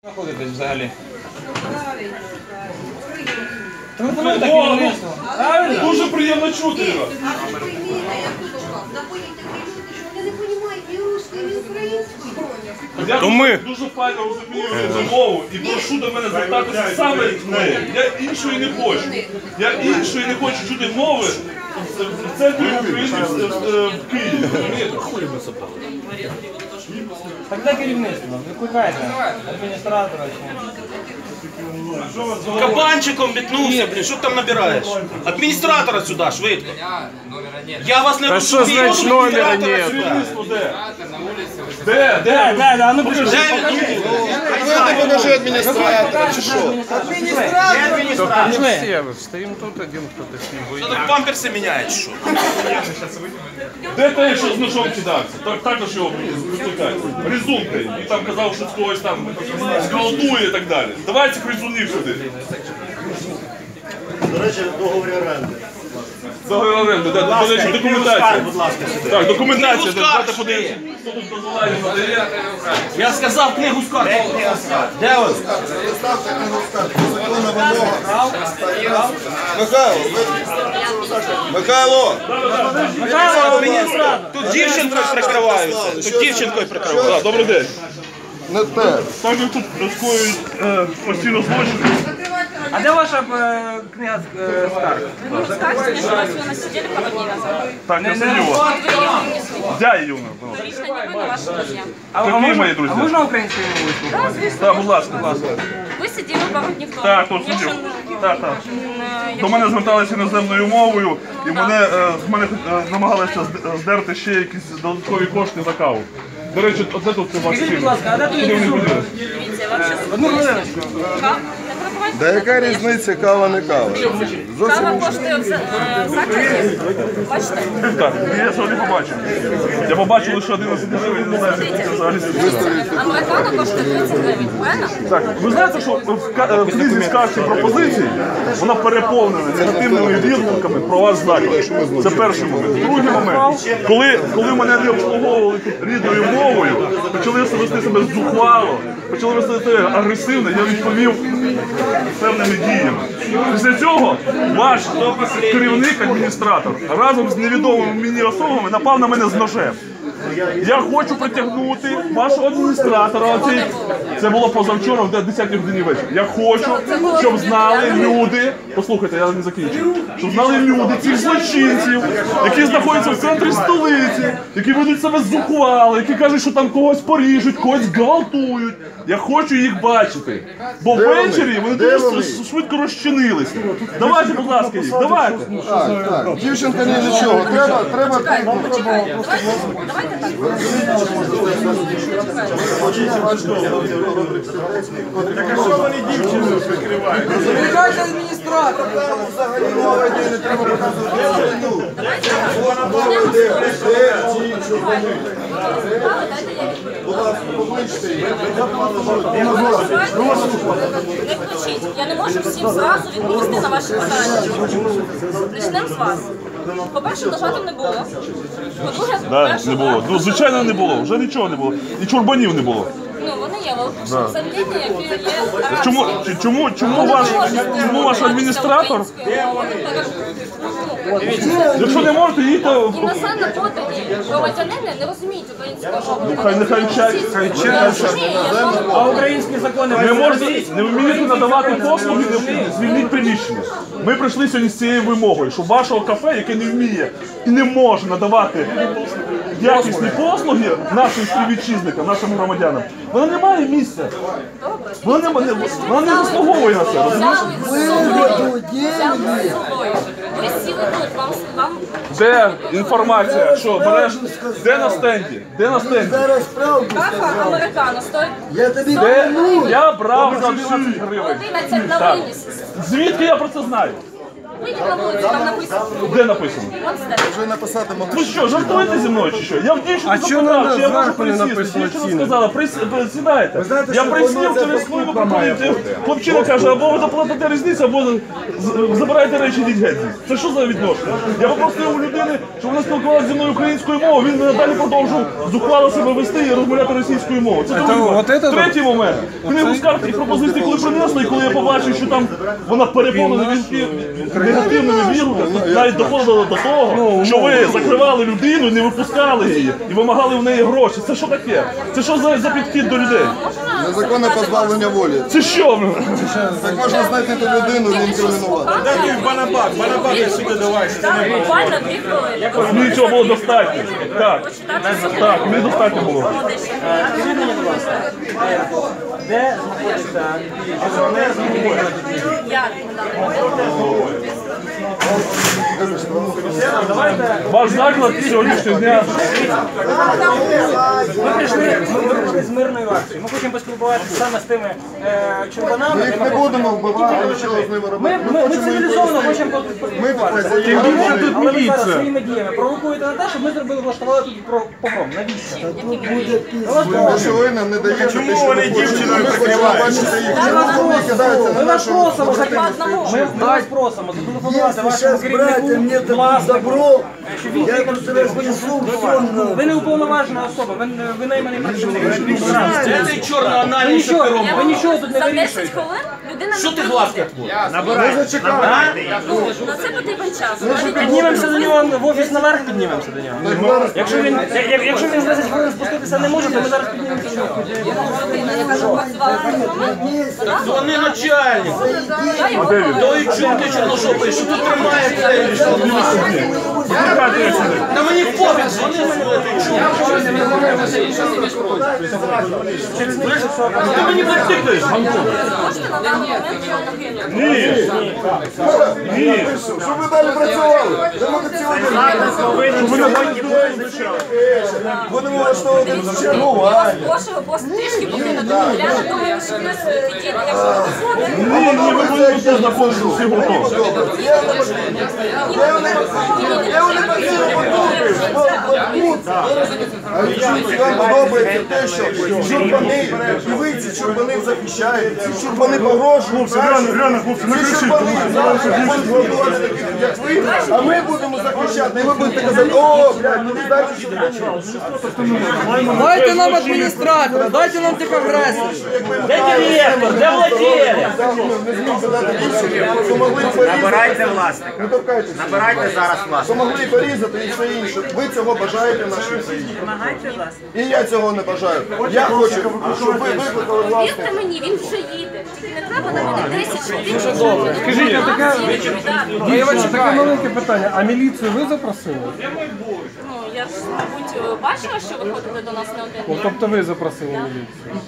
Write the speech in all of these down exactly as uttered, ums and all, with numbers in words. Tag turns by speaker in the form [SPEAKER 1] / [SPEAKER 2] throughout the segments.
[SPEAKER 1] Знаходитесь взагалі?
[SPEAKER 2] Телефонуйте керівництво. Правильно?
[SPEAKER 3] Дуже приємно чути його. Я
[SPEAKER 4] То ми.
[SPEAKER 3] дуже файно розумію цю мову і прошу до мене звертатися саме з нею. Я іншої не хочу. Я іншої не хочу чути мови в центрі України, в Києві.
[SPEAKER 2] Так де керівництво? Викликайте адміністратора.
[SPEAKER 4] Кабанчиком метнувся, блін, що ти там набираєш? Адміністратора сюди, швидко. Я вас не
[SPEAKER 5] що значить номера нет?
[SPEAKER 3] Де? Де?
[SPEAKER 2] Де, де, де, а ну покажи.
[SPEAKER 4] Де він?
[SPEAKER 5] Ти покажи адміністратора, чи що?
[SPEAKER 2] Пішли.
[SPEAKER 5] Стоїмо тут, один хтось з ним
[SPEAKER 4] Що тут памперси міняють, що?
[SPEAKER 3] Де той, що з ножом кидався? Так, також його викликають. Резункою. І там казав, що когось там зґвалтує і так далі. Давайте цих резунів сюди.
[SPEAKER 6] До речі, договір оренди.
[SPEAKER 3] Договір оренди, да, до речі, документація. Так, документація, давайте подивимося. Хто тут дозволяє, надає.
[SPEAKER 4] Я сказав книгу скарг. Де он?
[SPEAKER 5] Михайло!
[SPEAKER 4] Михайло, тут дівчинкою прикриваються. Тут дівчинкою прикриваються.
[SPEAKER 3] Так, добрий день.
[SPEAKER 5] Не те.
[SPEAKER 3] Так як тут скоюють е, постійно злочини.
[SPEAKER 2] А де ваша е, книга е, скарг?
[SPEAKER 7] Вы не расскажете, что вас вы сидели пару дней назад?
[SPEAKER 3] Так, я сидів.
[SPEAKER 7] Вот вы ее унесли.
[SPEAKER 3] Я Юна.
[SPEAKER 7] Лично не вы, но ваши друзья.
[SPEAKER 2] А,
[SPEAKER 3] Які
[SPEAKER 2] а можна,
[SPEAKER 3] мої друзі?
[SPEAKER 2] а можна українською мовою
[SPEAKER 7] Да,
[SPEAKER 2] спілкуватися?
[SPEAKER 7] звісно.
[SPEAKER 3] Так, будь ласка, будь ласка.
[SPEAKER 7] Ви сиділи пару днів тому.
[SPEAKER 3] Так, тут
[SPEAKER 7] Якщо,
[SPEAKER 3] сидів.
[SPEAKER 7] м,
[SPEAKER 3] Так, так.
[SPEAKER 7] м,
[SPEAKER 3] До мене зверталися іноземною мовою, і мене, е, з мене е, намагалися зд- здерти ще якісь додаткові кошти за каву. До речі, оце тут це ваш
[SPEAKER 2] Скажіть,
[SPEAKER 3] фільм.
[SPEAKER 2] будь ласка, а де тут
[SPEAKER 3] Куди вони
[SPEAKER 2] Ізюм?
[SPEAKER 3] поділися?
[SPEAKER 7] Дивіться, я вам щас
[SPEAKER 2] Одну хвилиночку.
[SPEAKER 7] Кава? Не перебувайте.
[SPEAKER 5] Да яка різниця, кава не кава?
[SPEAKER 7] Кава коштує в за- е, в закладі. Бачите?
[SPEAKER 3] Так, я цього не побачив. Я побачив лише одинадцять гривень, не знаю, скільки це взагалі.
[SPEAKER 7] Американо коштує тридцять гривень, правильно?
[SPEAKER 3] Так, ви знаєте, що в, ка- в книзі скарг і пропозицій вона переповнена негативними відгуками про ваш заклад. Це перший момент. Другий момент, коли, коли мене не обслуговували тут рідною мовою, почали вести себе зухвало, почали вести себе агресивно, я відповів певними діями. Після цього ваш керівник, адміністратор, разом з невідомими мені особами напав на мене з ножем. Я хочу притягнути вашого адміністратора. Оцей, це було позавчора в десятій годині вечора. Я хочу, щоб знали люди, послухайте, я не закінчу, щоб знали люди цих злочинців, які знаходяться в центрі столиці, які ведуть себе зухвало, які кажуть, що там когось поріжуть, когось гвалтують. Я хочу їх бачити. Бо ввечері вони дуже с- швидко розчинилися. Давайте, будь ласка, їх, давайте.
[SPEAKER 5] Так, так. Дівчинка ні до чого. Треба, треба.
[SPEAKER 7] Почекайте, давайте, давайте так.
[SPEAKER 2] Викликайте адміністратора.
[SPEAKER 7] Не включіть. Я не можу всім зразу відповісти на ваші питання. Почнемо з вас. По-перше, нажатим не було. По-друге,
[SPEAKER 3] Да,
[SPEAKER 7] перше,
[SPEAKER 3] не було. Ну, звичайно, не було. Вже нічого не було. І чурбанів не було.
[SPEAKER 7] ну, вони є, але завдання, які є
[SPEAKER 3] Чому,
[SPEAKER 7] арабською.
[SPEAKER 3] чому, чому, ваш, чому ваш адміністратор, якщо не можете, їдьте в...
[SPEAKER 7] Іноземно подані громадянини не розуміють українського мови.
[SPEAKER 3] Хай нехай вчать, хай вчать.
[SPEAKER 2] А українські закони
[SPEAKER 3] Не
[SPEAKER 2] ви
[SPEAKER 3] можете,
[SPEAKER 2] знаєте?
[SPEAKER 3] не вмієте надавати послуги, не звільніть приміщення. Ми прийшли сьогодні з цією вимогою, щоб вашого кафе, яке не вміє і не може надавати якісні послуги нашим співвітчизникам, нашим громадянам, вона не має місця. Вона не, вона не заслуговує на це, розумієш?
[SPEAKER 7] Ви сіли тут, вам, вам
[SPEAKER 3] Де інформація, що береш, де на стенді, де на стенді?
[SPEAKER 7] кафа американо стоїть
[SPEAKER 3] Де я брав за одинадцять гривень.
[SPEAKER 7] одинадцять на
[SPEAKER 3] Так.
[SPEAKER 7] виніс.
[SPEAKER 3] Звідки я про це знаю?
[SPEAKER 7] Вийдіть на вулицю, там написано.
[SPEAKER 3] Де написано?
[SPEAKER 7] Вон степ.
[SPEAKER 5] Вже написати могли.
[SPEAKER 3] Ви що, жартуєте зі мною чи що? Я в дівчину
[SPEAKER 1] А чого
[SPEAKER 3] запитав,
[SPEAKER 1] на
[SPEAKER 3] чи я можу
[SPEAKER 1] зверху не
[SPEAKER 3] присісти.
[SPEAKER 1] написано
[SPEAKER 3] Дівчина
[SPEAKER 1] ціни?
[SPEAKER 3] сказала, «Прис- присідайте.
[SPEAKER 1] знаєте,
[SPEAKER 3] Я
[SPEAKER 1] що
[SPEAKER 3] присів
[SPEAKER 1] воно це
[SPEAKER 3] через хвилину
[SPEAKER 1] покупка має
[SPEAKER 3] приходить.
[SPEAKER 1] бути.
[SPEAKER 3] Хлопчина каже, або ви заплатите різницю, або з- забирайте речі, йдіть геть. Це що за відношення? Я попросив у людини, щоб вона спілкувалася зі мною українською мовою, він надалі продовжував зухвало себе вести і розмовляти російською мовою. Це другий момент.
[SPEAKER 1] от це-
[SPEAKER 3] Третій момент. Книгу скарг і пропозицій, коли принесли, і коли я побачив, що там вона переповнена вінки негативними вірусами, навіть доходило до того, що ви закривали людину, не випускали її і вимагали в неї гроші. Це що таке? Це що за, за підхід до людей?
[SPEAKER 5] Незаконне позбавлення волі.
[SPEAKER 3] Це що?
[SPEAKER 5] Так можна знайти ту людину і інкримінувати.
[SPEAKER 7] Банабак, банабак сюди давай. Так, буквально дві хвилини.
[SPEAKER 3] Мені цього було достатньо. Так,
[SPEAKER 7] Почитати всі
[SPEAKER 3] так, мені достатньо було.
[SPEAKER 7] молодечі.
[SPEAKER 2] Скажіть мені, будь ласка, е, де знаходиться журналіст, який може тут їздити?
[SPEAKER 7] Як на даний момент?
[SPEAKER 3] Ваш заклад сьогоднішнього дня.
[SPEAKER 2] Ми прийшли, ми, ми прийшли з мирною акцією. Ми хочемо поспілкуватися саме з тими е, чорбанами.
[SPEAKER 5] Ми їх не будемо вбивати, нічого з ними
[SPEAKER 2] Ми,
[SPEAKER 5] робити.
[SPEAKER 2] ми, ми цивілізовано хочемо
[SPEAKER 5] Ми
[SPEAKER 2] поспілкуватися.
[SPEAKER 5] тут хазяїни.
[SPEAKER 1] тут
[SPEAKER 2] Але ви зараз
[SPEAKER 1] міліція.
[SPEAKER 2] своїми діями провокуєте на те, щоб ми зробили, влаштували тут про- погром. Навіщо? Ми вас
[SPEAKER 5] Тому що ви нам не даєте те, що ми хочемо. Ми хочемо бачити їх. Чому вони кидаються на
[SPEAKER 2] Ми вас
[SPEAKER 5] нашу
[SPEAKER 2] просимо,
[SPEAKER 7] Одного.
[SPEAKER 2] ми, ми вас просимо зателефонувати вашому керівнику,
[SPEAKER 6] мне это
[SPEAKER 2] власнику,
[SPEAKER 6] добро,
[SPEAKER 2] щоб він
[SPEAKER 6] я
[SPEAKER 2] приїхав
[SPEAKER 6] просто
[SPEAKER 2] сюди.
[SPEAKER 6] разнесу все.
[SPEAKER 2] Ви не уповноважена особа, ви, не- ви найманий працівник.
[SPEAKER 4] Це чорно
[SPEAKER 2] Ви
[SPEAKER 4] анальний
[SPEAKER 2] нічого,
[SPEAKER 4] пером.
[SPEAKER 2] ви нічого тут не
[SPEAKER 7] За десять
[SPEAKER 2] вирішуєте.
[SPEAKER 7] хвилин людина
[SPEAKER 4] Що ти
[SPEAKER 7] не
[SPEAKER 4] глазки
[SPEAKER 7] приїде.
[SPEAKER 4] отводиш?
[SPEAKER 5] Ми зачекаємо.
[SPEAKER 7] Ну, на це потрібен час. Навіть
[SPEAKER 2] Піднімемося до нього в офіс наверх, піднімемося до нього. Якщо він, як- якщо він за десять хвилин спуститися не може, то ми зараз піднімемося до нього.
[SPEAKER 7] людина, яка запрацювала на документ,
[SPEAKER 4] Вони начальник.
[SPEAKER 7] я його
[SPEAKER 4] То і чути чорношопий, що тут тримає це. Та мені пофіг, вони мене Ти мені притикаєш.
[SPEAKER 7] можете на даний момент його покинути.
[SPEAKER 3] Ні. Ні.
[SPEAKER 5] Щоб ви далі працювали. Ви можете сьогодні. Будемо влаштовувати
[SPEAKER 7] Я вас
[SPEAKER 5] чергування.
[SPEAKER 7] прошу просто трішки покинути. Я не думаю, що в нас такі, якщо ви дозволите.
[SPEAKER 3] Ні, ні, ви будете тут знаходитися всі гуртом.
[SPEAKER 5] Вам подобається те, що чурбани, і ви ці чурбани захищаєте, ці чурбани погрожують.
[SPEAKER 3] Реально, реально, хлопці, не
[SPEAKER 5] Ці
[SPEAKER 3] кричіть.
[SPEAKER 5] чурбани зараз будуть голодувати таких, як ви, а ми будемо захищати. І ви будете казати, о, блядь, ну дайте чурбани.
[SPEAKER 1] Дайте нам адміністратора, дайте нам тихогресів.
[SPEAKER 4] Де директор? Де владелец?
[SPEAKER 5] Не зміг задати більше, то могли порізати.
[SPEAKER 8] Набирайте власника.
[SPEAKER 5] Не торкайтеся.
[SPEAKER 8] Набирайте зараз
[SPEAKER 5] То
[SPEAKER 8] власника.
[SPEAKER 5] могли порізати і все інше. Ви цього бажаєте в нашій країні. І я цього не бажаю. Я хочу, щоб ви викликали власне.
[SPEAKER 7] Вірте мені, він вже їде. Тільки не треба навіть десять хвилин.
[SPEAKER 1] Скажіть, а таке,
[SPEAKER 7] Дівчата,
[SPEAKER 1] таке маленьке питання, а міліцію ви запросили?
[SPEAKER 7] ну я ж, мабуть, бачила, що ви ходите до нас не один
[SPEAKER 1] Ну,
[SPEAKER 7] день.
[SPEAKER 1] тобто ви запросили міліцію?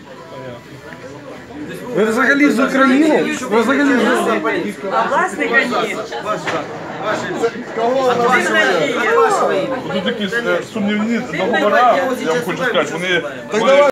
[SPEAKER 1] Ви взагалі з України? Ви взагалі з України?
[SPEAKER 5] Кого вона висуває?
[SPEAKER 3] Тут якісь е, сумнівні договори, я вам хочу сказати, вони...
[SPEAKER 5] Так давай.